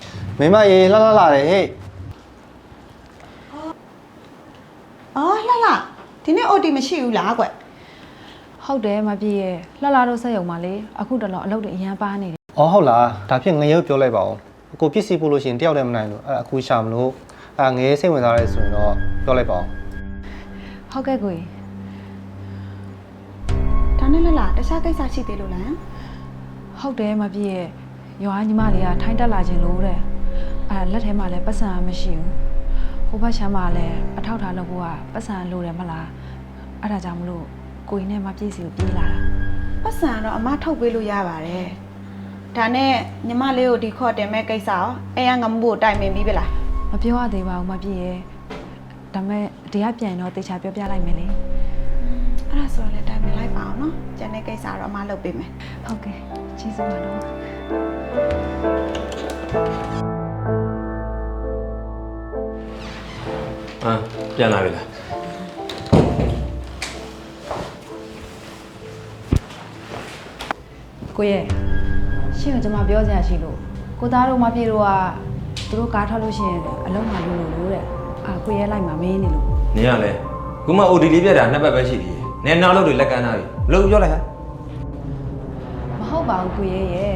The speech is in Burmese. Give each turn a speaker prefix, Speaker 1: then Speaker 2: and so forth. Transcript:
Speaker 1: မိမရေလှလာတယ်ဟဲ့
Speaker 2: အော်လှလှဒီနေ့ OT မရှိဘူးလားကွ
Speaker 3: ဟုတ်တယ်မပြည့်ရဲ့လှလာတော့ဆက်ရုံပါလေအခုတလောအလုပ်တွေအရန်ပါနေတယ်
Speaker 1: အော်ဟုတ်လားဒါဖြင့်ငရုတ်ပြောလိုက်ပါဦးကိုပစ္စည်းပို့လို့ရှိရင်တယောက်တည်းမနိုင်လို့အဲ့အခုရှာမလို့ငရဲစိတ်ဝင်စားရဲဆိုရင်တော့ပြောလိုက်ပါဦး
Speaker 3: ဟုတ်ကဲ့ကိုကြီး
Speaker 2: ဒါနဲ့လှလှတခြားကိစ္စရှိသေးလို့လား
Speaker 3: ဟုတ်တယ်မပြည့်ရဲ့ရွာညီမလေးကထိုင်းတက်လာခြင်းလို့တဲ့အဲ့လက်ထဲမှာလည်းပတ်စံမရှိဘူးဟိုဘက်ချမ်းမှာလည်းအထောက်ထားလုပ်ဖို့ကပတ်စံလိုတယ်မလားအဲ့ဒါကြောင့်မလို့ကိုကြီးနဲ့မပြည့်စီကိုပြေးလာတာ
Speaker 2: ပတ်စံတော့အမထုတ်ပေးလို့ရပါတယ်ဒါနဲ့ညီမလေးကိုဒီခေါ်တင်မဲ့ကိစ္စရောအဲ့ရငမဖို့တိုင်ပင်ပြီးပြီလား
Speaker 3: မပြောရသေးပါဘူးမပြည့်ရဲ့ဒါမဲ့တရားပြန်တော့တေချာပြောပြလိုက်မယ်လေ
Speaker 2: အဲ့ဒါဆိုရင်လည်းတိုင်ပင်လိုက်ပါအောင်နော်ကျန်တဲ့ကိစ္စတော့အမလုပ်ပေးမယ်
Speaker 3: ဟုတ်ကဲ့ကျေးဇူးပါတော့
Speaker 4: ပြန်လာပြီလား
Speaker 3: ကိုရဲ့ရှင့်ကကျွန်မပြောစရာရှိလို့ကိုသားတို့မပြေတော့ကသူတို့ကားထွက်လို့ရှိရင်အလုံးမလို့လို့တဲ့ကိုရဲ့လိုက်မှာမင်းနေလို့
Speaker 4: နင်ကလည်းခုမှ OD လေးပြတ်တာနှစ်ပတ်ပဲရှိသေးတယ်နင်နောက်လို့တွေလက်ကမ်းထားပြီဘလို့ပြောလိုက်ဟာ
Speaker 3: မဟုတ်ပါဘူးကိုရဲ့